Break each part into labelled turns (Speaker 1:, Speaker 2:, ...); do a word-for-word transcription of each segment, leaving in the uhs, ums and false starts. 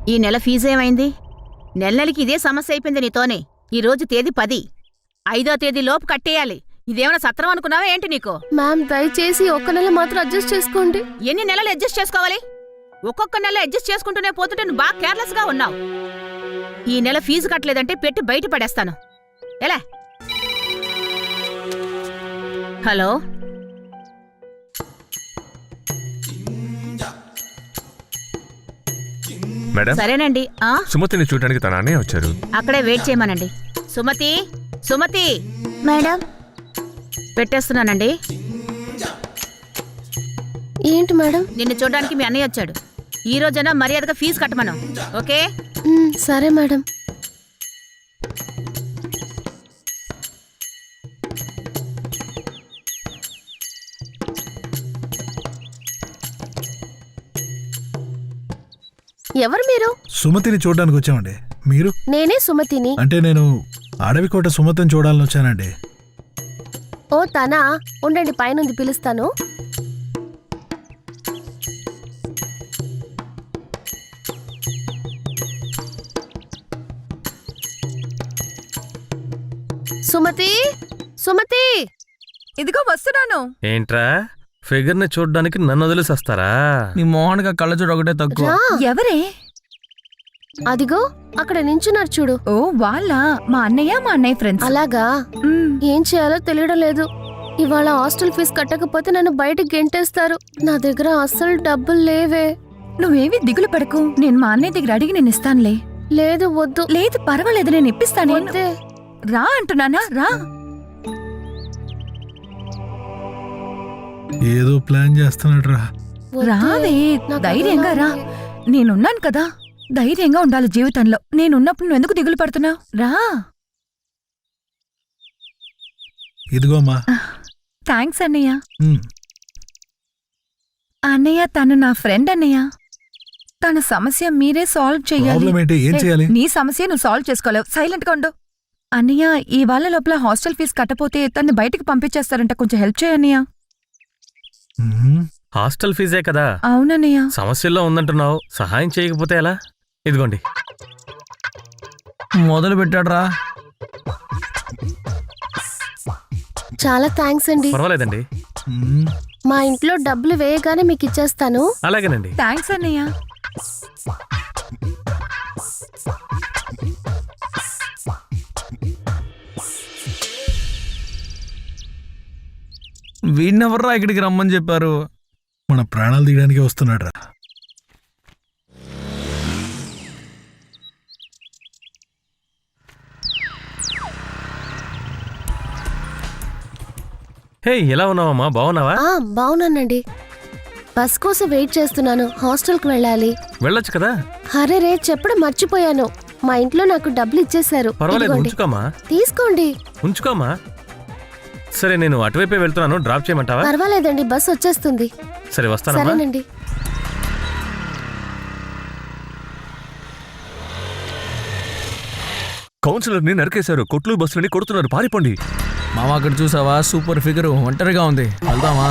Speaker 1: ఈ నెల ఫీజు ఏమైంది? నెల నెలకి ఇదే సమస్య అయిపోయింది నీతోనే. ఈరోజు తేదీ పది, ఐదో తేదీ లోపు కట్టేయాలి. ఇదేమైనా సత్రం అనుకున్నావా ఏంటి నీకు?
Speaker 2: మ్యామ్ దయచేసి ఒక్క నెల మాత్రం అడ్జస్ట్ చేసుకోండి.
Speaker 1: ఎన్ని నెలలు అడ్జస్ట్ చేసుకోవాలి? ఒక్కొక్క నెల అడ్జస్ట్ చేసుకుంటూనే పోతుంటే నువ్వు బాగా కేర్లెస్ గా ఉన్నావు. ఈ నెల ఫీజు కట్టలేదంటే పెట్టి బయట పడేస్తాను. ఎలా? హలో,
Speaker 3: మేడం,
Speaker 1: సరేనండి. ఆ
Speaker 3: సుమతిని చూడడానికి తన అన్నయ్య వచ్చారు.
Speaker 1: అక్కడే వెయిట్ చేయమనండి. సుమతి, సుమతి
Speaker 2: మేడం,
Speaker 1: పెట్టేస్తున్నానండి.
Speaker 2: ఏంటి మేడం?
Speaker 1: నిన్ను చూడడానికి మీ అన్నయ్య వచ్చాడు. ఈ రోజైనా మర్యాదగా ఫీజు కట్టమను. ఓకే?
Speaker 2: మ్, సరే మేడం. ఎవరు మీరు?
Speaker 4: సుమతిని చూడడానికి వచ్చామండి. మీరు?
Speaker 2: నేనే సుమతిని.
Speaker 4: అంటే నేను అడవికోట సుమతిని చూడాలని వచ్చానండి.
Speaker 2: ఓ తనా, ఉండండి పైనుంది పిలుస్తాను. సుమతి, సుమతి,
Speaker 5: ఇదిగో వస్తున్నాను.
Speaker 6: ఏంట్రా, ఫిగర్ ని చూడడానికి నన్ను వదిలేసి వస్తారా?
Speaker 7: నీ మోహన్గా కళ్ళ చూడ ఒకటే తక్కువ.
Speaker 2: రా.
Speaker 5: ఎవరే?
Speaker 2: అదిగో అక్కడ నించున్నారు చూడు.
Speaker 5: ఓ వాళ్ళ మా అన్నయ్య మా అన్నయ్య ఫ్రెండ్స్.
Speaker 2: అలాగా?
Speaker 5: మ్,
Speaker 2: ఏం చేయాలో తెలియడం లేదు. ఇవాళ హాస్టల్ ఫీజు కట్టకపోతే నన్ను బయటకు గెంటేస్తారు. నా దగ్గర అస్సలు డబ్బులు లేవే.
Speaker 5: నువ్వేవి దిగులు పడకు. నేను మా అన్నయ్య దగ్గర అడిగి నేను ఇస్తానులే.
Speaker 2: లేదు, వద్దు.
Speaker 5: లేదు పర్వాలేదు, నేను ఇప్పిస్తాను.
Speaker 2: వద్దే.
Speaker 5: రా అంటున్నానా, రా.
Speaker 4: ఏదో ప్లాన్ చేస్తున్నాడు రా.
Speaker 2: వద్దే.
Speaker 5: రావే,
Speaker 2: నాకు
Speaker 5: ధైర్యంగా రా.
Speaker 2: అదోలా
Speaker 5: నేనున్నాను కదా, ధైర్యంగా ఉండాలి జీవితంలో. నేనున్నప్పుడు నువ్వు ఎందుకు దిగులు పడుతున్నావు? రా.
Speaker 4: ఇదిగోమ్మా.
Speaker 5: థ్యాంక్స్ అన్నయ్య.
Speaker 4: ఉమ్,
Speaker 5: అన్నయ్య తను నా ఫ్రెండ్ అన్నయ్య. తన సమస్య మీరే సాల్వ్ చెయ్యాలి.
Speaker 4: ప్రాబ్లం ఏంటి? ఏం
Speaker 5: ఏ,
Speaker 4: చేయాలి?
Speaker 5: నీ సమస్య నువ్వు సాల్వ్ చేసుకోలేవు. సైలెంట్ గా ఉండు. అన్నయ్య, ఈ వాళ్ళ లోపల హాస్టల్ ఫీజు కట్టపోతే తన్ని బయటికి పంపించేస్తారంట. కొంచెం హెల్ప్ చేయన్నయ్య.
Speaker 4: ఉమ్,
Speaker 6: హాస్టల్ ఫీజే కదా,
Speaker 5: అవునన్నయ్య.
Speaker 6: సమస్యల్లో ఉందంటున్నావు. సహాయం చేయకపోతే ఎలా? ఇదిగోండి.
Speaker 7: మొదలు పెట్టాడురా.
Speaker 2: చాలా థ్యాంక్స్ అండి.
Speaker 6: పర్వాలేదండి.
Speaker 4: ఉమ్.
Speaker 2: మా ఇంట్లో డబ్బులు వేయగానే మీకు ఇచ్చేస్తాను.
Speaker 6: అలాగేనండి.
Speaker 5: థ్యాంక్స్ అన్నయ్య.
Speaker 7: వీడినెవర్రా ఇక్కడికి రమ్మని చెప్పారు?
Speaker 4: మన ప్రాణాలు తీయడానికి వస్తున్నాడు రా.
Speaker 6: హే, ఎలా ఉన్నావమ్మా? బాగున్నావా?
Speaker 2: ఆ బావున్నానండి. బస్ కోసం వెయిట్ చేస్తున్నాను. హాస్టల్కి వెళ్ళాలి.
Speaker 6: వెళ్ళొచ్చు కదా.
Speaker 2: హరే రే, చెప్పడం మర్చిపోయాను. మా ఇంట్లో నాకు డబ్బులు ఇచ్చేశారు.
Speaker 6: పర్వాలేదు,
Speaker 2: ఇదిగోండి.
Speaker 6: ఉంచుకోమా.
Speaker 2: తీసుకోండి.
Speaker 6: ఉంచుకోమా. సరే, నేను అటువైపే వెళ్తున్నాను. డ్రాప్ చేయమంటావా?
Speaker 2: పర్వాలేదండి, బస్ వచ్చేస్తుంది.
Speaker 6: సరే, వస్తానమ్మా.
Speaker 2: సరేనండి.
Speaker 3: కౌన్సిలర్ ని నరికేశారు. కొట్లు బస్సులని కొడుతున్నారు. పారిపోండి.
Speaker 7: మామ అక్కడ చూసావా? సూపర్ ఫిగర్ ఒంటరిగా ఉంది. వెళ్దామా?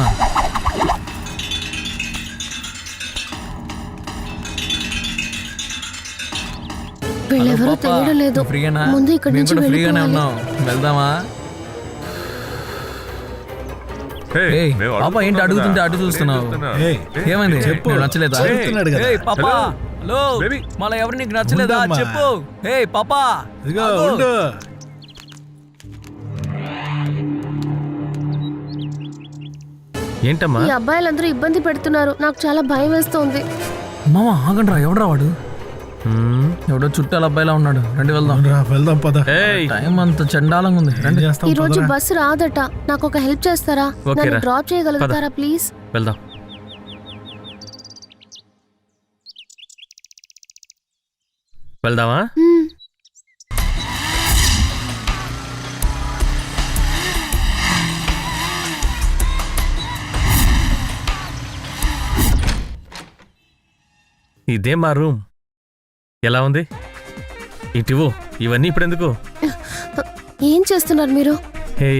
Speaker 2: వీళ్ళెవరో
Speaker 7: పాపా,
Speaker 2: తెలియడం లేదు.
Speaker 7: నువ్వు ఫ్రీగానా?
Speaker 2: ముందు ఇక్కడి
Speaker 7: మేము
Speaker 2: నుంచి
Speaker 7: కూడా ఫ్రీగానే
Speaker 2: వెళ్ళిపోవాలి.
Speaker 7: ఉన్నాం. వెళ్దామా?
Speaker 3: హే,
Speaker 7: ఏయ్,
Speaker 3: మేము
Speaker 7: పాప
Speaker 3: అడుగుతున్నాం
Speaker 7: ఏంటి
Speaker 3: కదా.
Speaker 7: అడుగుతుంటే అటు చూస్తున్నావు?
Speaker 3: చూస్తున్నా.
Speaker 4: ఏయ్,
Speaker 7: ఏమైంది?
Speaker 4: చెప్పు.
Speaker 7: నీకు నచ్చలేదా?
Speaker 4: చెప్తున్నాడు కదా.
Speaker 7: ఏయ్, పాపా.
Speaker 3: హలో.
Speaker 7: హలో.
Speaker 3: బేబీ.
Speaker 7: మళ్ళా ఎవరు నీకు నచ్చలేదా?
Speaker 4: ఉండమ్మా.
Speaker 7: చెప్పు. హే పాపా.
Speaker 4: ఇదిగో
Speaker 7: ఆగు.
Speaker 4: ఉండు.
Speaker 6: ఏంటమ్మా?
Speaker 2: ఈ అబ్బాయిలందరూ ఇబ్బంది పెడుతున్నారు. నాకు చాలా భయం వేస్తోంది.
Speaker 7: మామ ఆగండ్రా. ఎవడరా వాడు?
Speaker 6: హ్మ్.
Speaker 7: ఎవడో చుట్టాల అబ్బాయిలా ఉన్నాడు. రండి వెళ్దాం.
Speaker 4: రా, వెళ్దాం పద.
Speaker 6: ఏయ్,
Speaker 7: టైం అంత చండాలంగా ఉంది.
Speaker 4: ఏం
Speaker 7: రండి.
Speaker 4: చేస్తాం
Speaker 2: ఈ రోజు
Speaker 4: పదరా.
Speaker 2: బస్సు రాదట. నాకు ఒక హెల్ప్ చేస్తారా?
Speaker 6: ఓకే
Speaker 2: నన్ను
Speaker 6: రా.
Speaker 2: డ్రాప్ చేయగలుగుతారా ప్లీజ్?
Speaker 6: వెళ్దాం. వెళ్దామా?
Speaker 2: మ్మ్.
Speaker 6: ఇదే మా రూమ్. ఎలా ఉంది? ఇటివో. ఇవన్నీ ఇప్పుడెందుకు?
Speaker 2: ఏం చేస్తున్నారు మీరు?
Speaker 6: హే,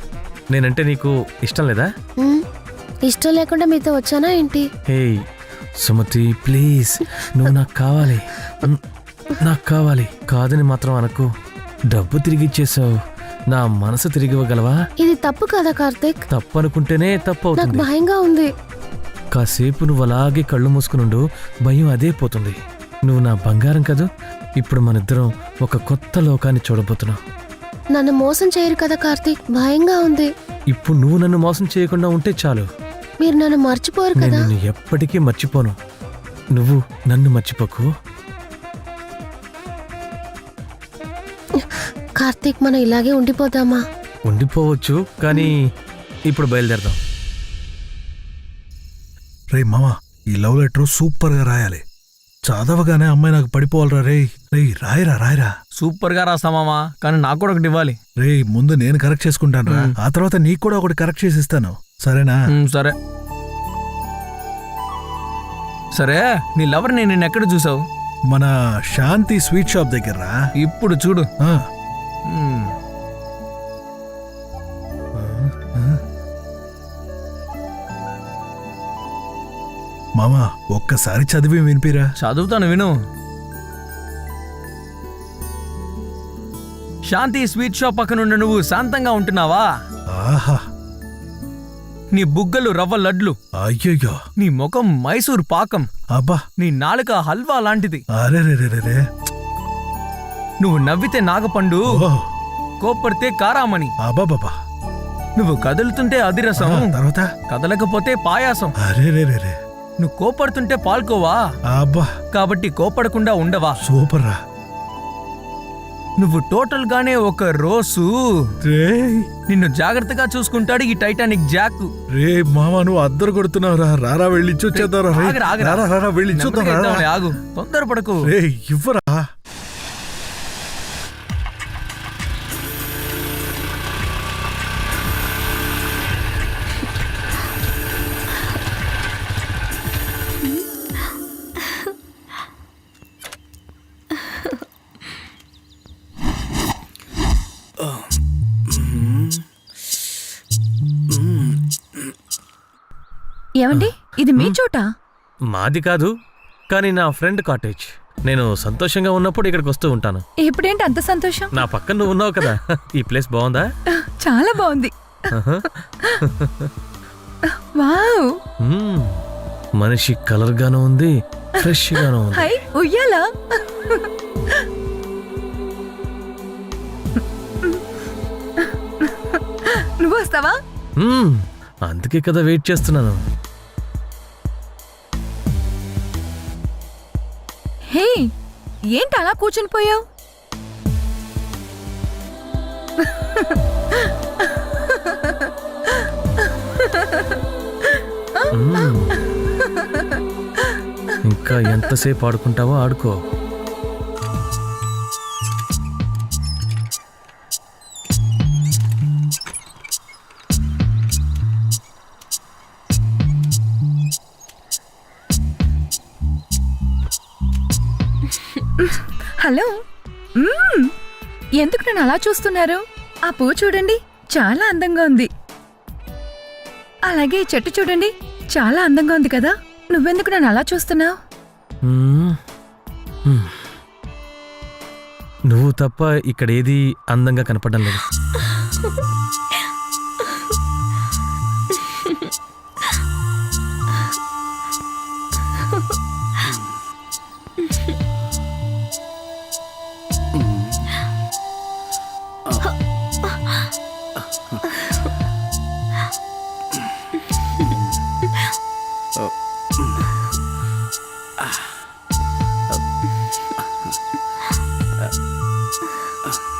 Speaker 6: నేనంటే నీకు ఇష్టం లేదా?
Speaker 2: మ్మ్. ఇష్టం లేకుండా మీతో వచ్చానా ఏంటి?
Speaker 6: హే, సుమతి ప్లీజ్ నువ్వు నాకు కావాలి మ్, నాకు కావాలి కాదని మాత్రం అనకు. డబ్బు తిరిగి ఇచ్చేసావు, నా మనసు తిరిగి ఇవ్వగలవా?
Speaker 2: ఇది తప్పు కదా కార్తీక్.
Speaker 6: తప్పు అనుకుంటేనే తప్పు
Speaker 2: నాకు
Speaker 6: అవుతుంది.
Speaker 2: భయంగా ఉంది.
Speaker 6: కాసేపు నువ్వు అలాగే కళ్ళు మూసుకునుండు, భయం అదే పోతుంది. నువ్వు నా బంగారం కదూ. ఇప్పుడు మనిద్దరం ఒక కొత్త లోకాన్ని చూడబోతున్నావు.
Speaker 2: నన్ను మోసం చేయరు కదా కార్తీక్, భయంగా ఉంది.
Speaker 6: ఇప్పుడు నువ్వు నన్ను మోసం చేయకుండా ఉంటే చాలు.
Speaker 2: మీరు నన్ను మర్చిపోరు
Speaker 6: నేను
Speaker 2: కదా.
Speaker 6: నిన్ను ఎప్పటికీ మర్చిపోను. నువ్వు నన్ను మర్చిపోకు.
Speaker 2: కార్తీక్, మనం ఇలాగే ఉండిపోదామా?
Speaker 6: ఉండిపోవచ్చు, కానీ ఇప్పుడు బయలుదేరదాం.
Speaker 4: రే మామ, ఈ లవ్ లెటర్ సూపర్ గా రాయాలి. చదవగానే అమ్మాయి నాకు పడిపోవాలరా. రే రే రాయరా రాయరా.
Speaker 7: సూపర్ గా రాస్తామామా, కానీ నాకు కూడా ఒకటి ఇవ్వాలి.
Speaker 4: రే ముందు నేను కరెక్ట్ చేసుకుంటాను రా,
Speaker 7: మ్.
Speaker 4: ఆ తర్వాత నీకు కూడా ఒకటి కరెక్ట్ చేసి ఇస్తాను, సరేనా?
Speaker 7: ఉమ్, సరే సరే నీ లవర్ నేను నిన్న ఎక్కడ చూసావు?
Speaker 4: మన శాంతి స్వీట్ షాప్ దగ్గర రా.
Speaker 7: ఇప్పుడు చూడు.
Speaker 4: ఆ,
Speaker 7: ఉమ్,
Speaker 4: మామ ఒక్కసారి చదివి వినిపిరా.
Speaker 7: చదువుతాను విను. శాంతి స్వీట్ షాప్ పక్కనుండి నువ్వు శాంతంగా ఉంటున్నావా?
Speaker 4: ఆహా,
Speaker 7: నీ బుగ్గలు రవ్వ లడ్లు,
Speaker 4: అయ్యయ్యో,
Speaker 7: నీ ముఖం మైసూర్ పాకం,
Speaker 4: అబ్బా,
Speaker 7: నీ నాలుక హల్వా లాంటిది.
Speaker 4: అరే రే రే రే రే.
Speaker 7: నువ్వు నవ్వితే నాగపండు,
Speaker 4: ఓ,
Speaker 7: కోప్పడితే కారామణి,
Speaker 4: అబ్బా బాబా.
Speaker 7: నువ్వు కదులుతుంటే అదిరసం,
Speaker 4: తర్వాత
Speaker 7: కదలకపోతే పాయాసం,
Speaker 4: అరే రే రే రే.
Speaker 7: నువ్వు కోపడుతుంటే పాల్కోవా,
Speaker 4: అబ్బా
Speaker 7: కాబట్టి కోపడకుండా ఉండవా?
Speaker 4: సూపర్ రా.
Speaker 7: నువ్వు టోటల్ గానే ఒక రోజు
Speaker 4: రే
Speaker 7: నిన్ను జాగ్రత్తగా చూసుకుంటాడు ఈ టైటానిక్ జాక్.
Speaker 4: రే మామ, నువ్వు అద్దరు కొడుతున్నావు రా. రారా వెళ్ళి చూద్దాం రా. రే,
Speaker 7: ఆగరా, ఆగరా.
Speaker 4: రారా రారా వెళ్ళి చూద్దాం
Speaker 7: నెమ్మదిగా
Speaker 4: రా.
Speaker 7: ఇద్దాంలే, ఆగు, తొందరపడకు.
Speaker 4: రే ఇవ్వరా.
Speaker 5: ఏమండి, ఇది మీ చోట?
Speaker 6: మాది కాదు, కానీ నా ఫ్రెండ్ కాటేజ్. నేను సంతోషంగా ఉన్నప్పుడు ఇక్కడికి వస్తూ ఉంటాను.
Speaker 5: ఇప్పుడేంటి అంత సంతోషం?
Speaker 6: నా పక్కన నువ్వు ఉన్నావు కదా. ఈ ప్లేస్ బాగుందా?
Speaker 5: చాలా బాగుంది.
Speaker 6: ఆహా.
Speaker 5: వావ్,
Speaker 6: మ్మ్. మనిషి కలర్ గాను ఉంది, ఫ్రెష్ గాను ఉంది.
Speaker 5: హై ఉయ్యాలా. నువ్వు వస్తావా?
Speaker 6: మ్మ్. అందుకే కదా వెయిట్ చేస్తున్నాను.
Speaker 5: హే, ఏంటి అలా కూర్చుని పోయావు?
Speaker 6: మ్మ్. ఇంకా ఎంతసేపు ఆడుకుంటావో ఆడుకో.
Speaker 5: హలో. మ్మ్. ఎందుకు నన్ను అలా చూస్తున్నారు? ఆ పువ్వు చూడండి, చాలా అందంగా ఉంది. అలాగే ఈ చెట్టు చూడండి, చాలా అందంగా ఉంది కదా. నువ్వెందుకు నన్ను అలా చూస్తున్నావు?
Speaker 6: మ్మ్. మ్మ్. నువ్వు తప్ప ఇక్కడ ఏది అందంగా కనపడడం లేదు.
Speaker 8: Oh.